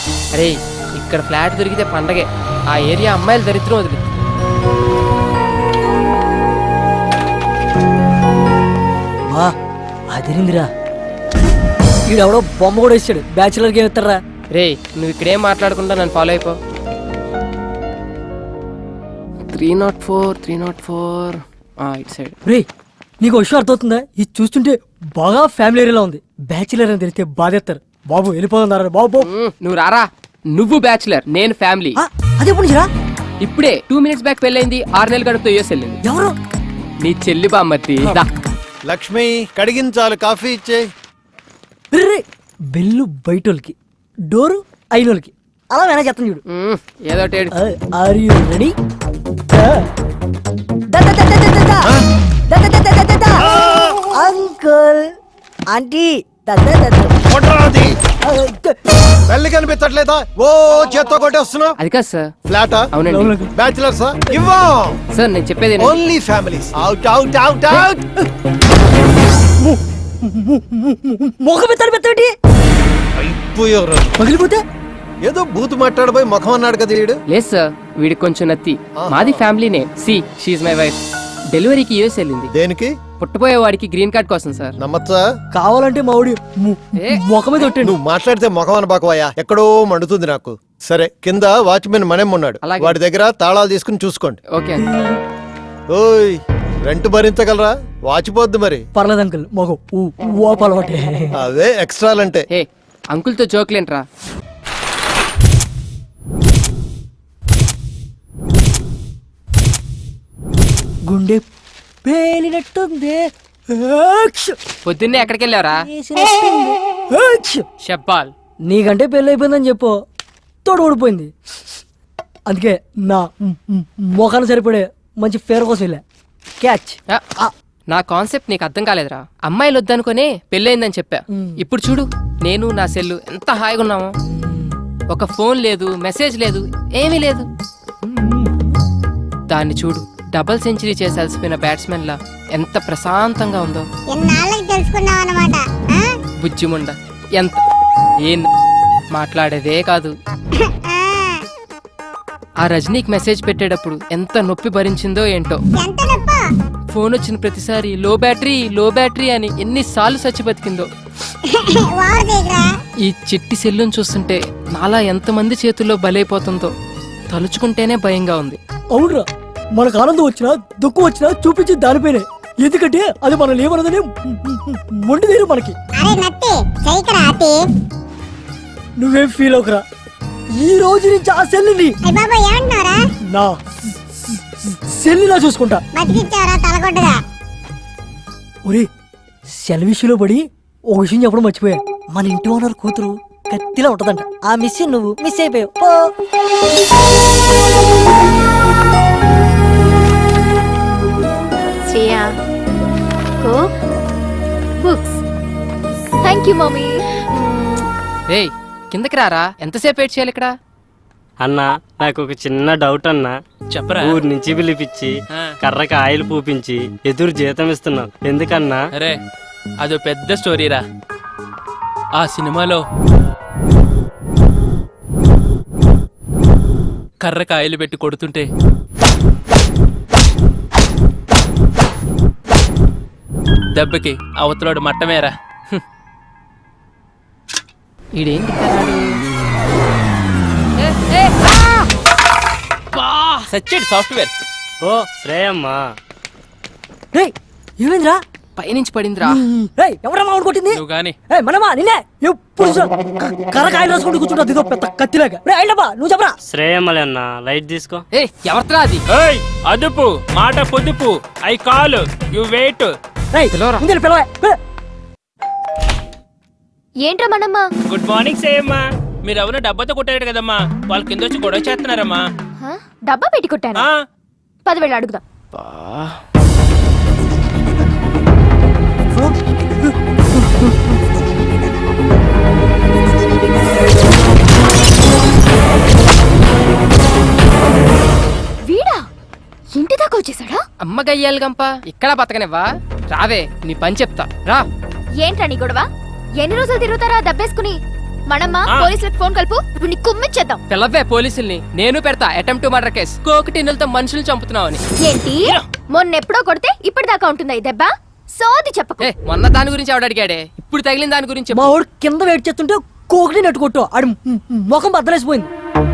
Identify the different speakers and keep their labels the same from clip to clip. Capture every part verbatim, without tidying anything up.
Speaker 1: అరే ఇక్కడ ఫ్లాట్ దొరికితే పండగే. ఆ ఏరియా అమ్మాయిలు దరిద్రం వదిలి.
Speaker 2: అదిరిందిరా. ఈడెవడో బొమ్మ కూడా ఇచ్చాడు. బ్యాచులర్కి ఏమి ఇస్తారా?
Speaker 1: రే నువ్వు ఇక్కడేం మాట్లాడకుండా నన్ను ఫాలో అయిపో. Three naught four three naught four it side.
Speaker 2: రే నీకు విషయం అర్థమవుతుందా? ఇది చూస్తుంటే బాగా ఫ్యామిలీ ఏరియాలో ఉంది. బ్యాచులర్ అని తెలిస్తే బాధేస్తారు. బాబు వెళ్ళిపోతున్నారా బాబు?
Speaker 1: నువ్వు రారా. నువ్వు బ్యాచులర్, నేను ఫ్యామిలీ.
Speaker 2: అదే పుణ్యరా.
Speaker 1: ఇప్పుడే టూ మినిట్స్ బ్యాక్ పెళ్ళైంది. ఆరు నెలలు గడుపుతో యూఎస్ వెళ్ళింది.
Speaker 2: ఎవరు?
Speaker 1: నీ చెల్లి బామ్మర్తి.
Speaker 3: లక్ష్మి కడిగించాలి, కాఫీ ఇచ్చే.
Speaker 2: బెల్లు బయటోళ్ళకి, డోరు అయినోళ్ళకి. అలా వేనా చెప్తాను చూడు.
Speaker 1: ఏదో
Speaker 2: are you ready? Uncle aunty
Speaker 3: పెళ్లి కనిపించట్లేదా? ఓ చేత్తో కొట్టేస్తున్నావు.
Speaker 1: అది కాదు సార్.
Speaker 3: ఫ్లాటా?
Speaker 1: అవునండి.
Speaker 3: Bachelor sir? ఇవ్వం
Speaker 1: సార్, నేను చెప్పేది
Speaker 3: only families. Out out out out.
Speaker 2: ముఖం ఎత్తాడు పెద్దటి
Speaker 3: అయిపోయారు.
Speaker 2: పగిలిపోతే
Speaker 3: ఏదో బూత్ మాట్లాడబోయి ముఖం అన్నాడు కదా వీడు.
Speaker 1: లేదు సార్, వీడికి కొంచెం నత్తి. మాది ఫ్యామిలీనే. See she my wife. డెలివరీకి యూఎస్ వెళ్ళింది.
Speaker 3: దేనికి?
Speaker 1: పుట్టబోయే వాడికి గ్రీన్ కార్డ్ కోసం సార్.
Speaker 3: నమ్మచ్చా?
Speaker 2: కావాలంటే మా ఊడి ముఖం మీద కొట్టాడు.
Speaker 3: నువ్వు మాట్లాడితే ముఖం అనబాకవయ్యా, ఎక్కడో మండుతుంది నాకు. సరే, కింద వాచ్మెన్ మనేం ఉన్నాడు, వాడి దగ్గర తాళాలు తీసుకుని చూసుకోండి.
Speaker 1: ఓకే.
Speaker 3: ఓయ్ రెంట్ భరించగలరా? వాచిపోద్ది మరి.
Speaker 2: పర్లేదు అంకుల్, మగం ఓపాలవాటే.
Speaker 3: అవే ఎక్స్ట్రాలంటే.
Speaker 1: ఏ అంకుల్తో జోక్లేంట్రా.
Speaker 2: గుండె పేలినట్టుంది.
Speaker 1: పొద్దున్నే ఎక్కడికి వెళ్ళావరా? చెప్పాల్.
Speaker 2: నీకంటే పెళ్ళి అయిపోయిందని చెప్పు. తోడు ఊడిపోయింది. అందుకే నా మొఖాన్ని సరిపడే మంచి ఫేర్ కోసం వెళ్ళా. క్యాచ్.
Speaker 1: నా కాన్సెప్ట్ నీకు అర్థం కాలేదురా. అమ్మాయిలు వద్దనుకునే పెళ్ళయిందని చెప్పా. ఇప్పుడు చూడు, నేను నా సెల్లు ఎంత హాయిగా ఉన్నామో. ఒక ఫోన్ లేదు, మెసేజ్ లేదు, ఏమీ లేదు. దాన్ని చూడు, డబుల్ సెంచరీ చేసి అలసిపోయిన బ్యాట్స్మెన్ లా ఎంత ప్రశాంతంగా ఉందో. బుజ్జిముండ ఎంత ఏం మాట్లాడేదే కాదు. ఆ రజనీకి మెసేజ్ పెట్టేటప్పుడు ఎంత నొప్పి భరించిందో ఏంటో. ఫోన్ వచ్చిన ప్రతిసారి లో బ్యాటరీ లో బ్యాటరీ అని ఎన్నిసార్లు చచ్చి బతికిందో. ఈ చిట్టి సెల్లును చూస్తుంటే నాలా ఎంతమంది చేతుల్లో బలైపోతుందో తలుచుకుంటేనే భయంగా ఉంది.
Speaker 2: అవునరా, మనకు ఆనందం వచ్చినా దుఃఖం వచ్చినా చూపించి దానిపైనే. ఎందుకంటే అది మనం ఏమన్నదని మొండి తీరు మనకి. నువ్వేం ఫీల్ అవుకరా. ఈ రోజు నుంచి ఆ సెల్లుని నా సెల్లులా చూసుకుంటా. ఒరే, సెల్ విషయంలో పడి ఒక విషయం చెప్పడం మర్చిపోయా. మన ఇంటి ఓనర్ కూతురు కత్తిలా ఉంటదంట. ఆ మిస్ నువ్వు మిస్ అయిపోయావు.
Speaker 4: Shreya, coke, books. Thank you mummy.
Speaker 1: రేయ్ కిందకి రారా. ఎంతసేపు వెయిట్ చేయాలి ఇక్కడ?
Speaker 5: అన్నా, నాకు ఒక చిన్న డౌట్ అన్నా.
Speaker 6: చెప్పరా.
Speaker 5: ఊరి నుంచి పిలిపించి కర్రకి ఆయిల్ పూపించి ఎదురు జీతం ఇస్తున్నావు ఎందుకన్నా?
Speaker 6: అరే అదో పెద్ద స్టోరీరా. ఆ సినిమాలో కర్రకి ఆయిల్ పెట్టి కొడుతుంటే దెబ్బకి అవతలోడు మట్టమేరా.
Speaker 1: ఈడేంటి
Speaker 6: సచ్చేడు సాఫ్ట్వేర్.
Speaker 5: ఓ శ్రేయమ్మా.
Speaker 2: రేయ్ ఏమైందిరా?
Speaker 1: పైనుంచి పడిందిరా.
Speaker 2: రేయ్ ఎవరమ్మా అవును కొట్టింది?
Speaker 6: నువ్వు గాని.
Speaker 2: ఏయ్ మనమా నిన్నే. ఎప్పుడు కరకాయలు రాసుకుంటూ కూర్చుంటా ఇదో పెద్ద కత్తిలాగా. రేయ్ అయినబ్బా నువ్వు చెప్పరా.
Speaker 5: శ్రేయమ్మలే అన్నా, లైట్ తీసుకో.
Speaker 1: ఏ ఎవరిరా అది?
Speaker 6: ఏయ్ అదుపు మాట పొదుపు. I call you wait.
Speaker 2: రేయ్
Speaker 1: పిలవరా.
Speaker 2: ముందు పిలవే.
Speaker 4: ఏంట్రా మనమ్మ?
Speaker 6: Good morning శ్రేయమ్మా. మీరు ఎవరు డబ్బాతో కొట్టారు కదమ్మా, వాళ్ళ కింద వచ్చి గొడవ చేస్తున్నారమ్మా.
Speaker 4: డబ్బా పెట్టి కొట్టాను. పదివేలు అడుగుదాం. వీడా ఇంటి దాకా వచ్చేసాడా?
Speaker 1: అమ్మ గయ్యాలి గంప, ఇక్కడ బతకనివ్వా? రావే నీ పని చెప్తా రా.
Speaker 4: ఏంట్రా నీ గొడవ? ఎన్ని రోజులు తిరుగుతారా దబ్బేసుకుని? మనమ్మ పోలీసులకు ఫోన్ కలుపు, ఇప్పుడు నీ కుమ్మిచ్చేద్దాం.
Speaker 1: పిల్లవే పోలీసుల్ని, నేను పెడతా అటెంప్ట్ టు మర్డర్ కేసు. కోకటిన్నులతో మనుషులు చంపుతున్నావు అని.
Speaker 4: ఏంటి మొన్న ఎప్పుడో కొడితే ఇప్పటిదాకా ఉంటుందా ఈ దెబ్బ? సోది చెప్పకు.
Speaker 1: ఏ మొన్న దాని గురించి ఆవిడ అడిగాడే, ఇప్పుడు తగిలిన దాని గురించి చెప్పు.
Speaker 2: మా వాడు కింద వెయిట్ చేస్తుంటే కోకటి నెట్టు కొట్టు, ఆడి ముఖం బద్దలేసిపోయింది.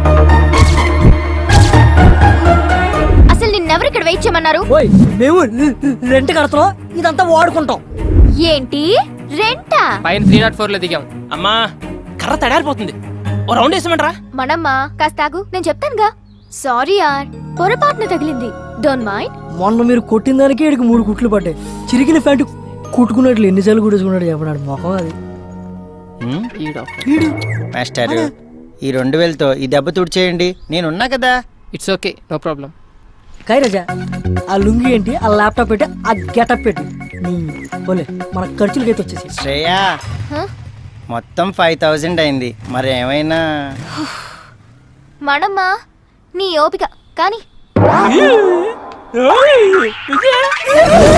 Speaker 4: అసలు నిన్నెవరు ఇక్కడ వెయిట్ చేయమన్నారు?
Speaker 2: ఓయ్ మేము రెంట్ కడతాం, ఇదంతా వాడుకుంటాం.
Speaker 4: ఏంటి రెంటా?
Speaker 1: పైన త్రీ నాట్ ఫోర్ లో దిగాం.
Speaker 6: అమ్మా కర్ర తడారిపోతుంది, ఓ రౌండ్ వేసామంటారా?
Speaker 4: మనమ్మ కాస్త ఆగు, నేను చెప్తానుగా. సారీ యార్, పొరపాటున తగిలింది, డోంట్ మైండ్.
Speaker 2: మొన్న మీరు కొట్టిన దానికి ఇడికి మూడు కుట్లు పడ్డాయి. చిరిగిన ప్యాంటు కుట్టుకున్నట్లు ఎన్నిసార్లు కుట్టేసుకున్నాడు చెప్పడాడు మొఖం అది.
Speaker 7: మాస్టర్ ఈ రెండు వేలతో ఈ దెబ్బ తుడిచేయండి, నేనున్నా కదా.
Speaker 1: It's okay, no problem.
Speaker 2: కైరాజా ఆ లుంగి ఏంటి, ఆ ల్యాప్టాప్ పెట్టి, ఆ గెటప్ పెట్టి నీ పోలే మన ఖర్చులకైతే వచ్చేసి.
Speaker 7: శ్రేయా
Speaker 4: హ?
Speaker 7: మొత్తం ఫైవ్ థౌజండ్ అయింది, మరి ఏమైనా
Speaker 4: మనమ్మ నీ ఓపిక కానీ